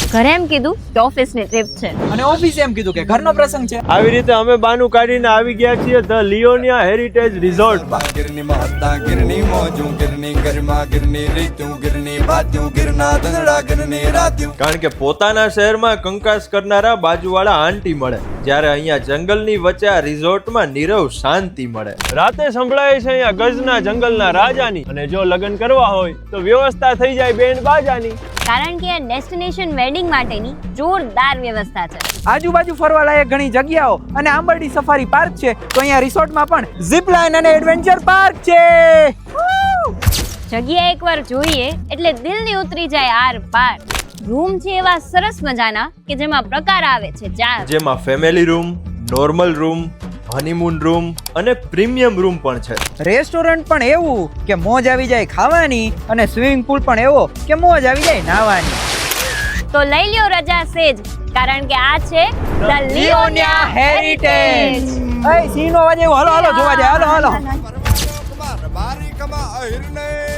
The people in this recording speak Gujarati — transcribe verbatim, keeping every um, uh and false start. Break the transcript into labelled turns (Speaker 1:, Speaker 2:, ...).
Speaker 1: ઘરે એમ કીધું કે ઓફિસની ટ્રીપ છે
Speaker 2: અને ઓફિસે એમ કીધું કે ઘરનો પ્રસંગ છે.
Speaker 3: આવી રીતે અમે બાનું કાઢીને આવી ગયા છીએ ધ લિયોનિયા હેરિટેજ રિઝોર્ટમાં.
Speaker 4: गिरनी माता गिरनी मौजू गिरनी गरिमा गिरनी रीतू गिरनी बात्यूं गिरना दंगड़ा गिरनी रात्यूं.
Speaker 3: કારણ કે પોતાના શહેરમાં કંકાસ કરનારા બાજુવાળા આંટી મળે, જ્યારે અહીંયા જંગલની વચ્ચે આ રિઝોર્ટમાં નીરવ શાંતિ મળે. રાતે સંભળાય છે અહીંયા ગજના જંગલના રાજાની, અને જો લગ્ન કરવા હોય તો વ્યવસ્થા થઈ જાય બેન્ડ બાજાની.
Speaker 1: કારણ કે આ ડેસ્ટિનેશન વેડિંગ માટેની જોરદાર વ્યવસ્થા છે.
Speaker 2: આજુબાજુ ફરવા લાયક ઘણી જગ્યાઓ અને આંબરડી સફારી પાર્ક છે. તો અહીંયા રિસોર્ટમાં પણ ઝીપ લાઇન અને એડવેન્ચર પાર્ક છે.
Speaker 1: જગ્યા એકવાર જોઈએ એટલે દિલની ઉતરી જાય આર પાર. રૂમ છે એવા સરસ મજાના કે જેમાં પ્રકાર આવે છે ચાર,
Speaker 3: જેમાં family room, normal room, honeymoon room અને પ્રીમિયમ રૂમ પણ છે.
Speaker 2: રેસ્ટોરન્ટ પણ એવું કે મોજ આવી જાય ખાવાની અને સ્વિમિંગ પૂલ પણ એવો કે મોજ આવી જાય નાહવાની.
Speaker 1: તો લઈ લ્યો રજા સેજ, કારણ કે આ છે ધ લિયોનિયા હેરિટેજ.
Speaker 2: એ સીનો વાજે હાલો હાલો જોવા જાય હાલો હાલો.
Speaker 4: बारी कमा हिरने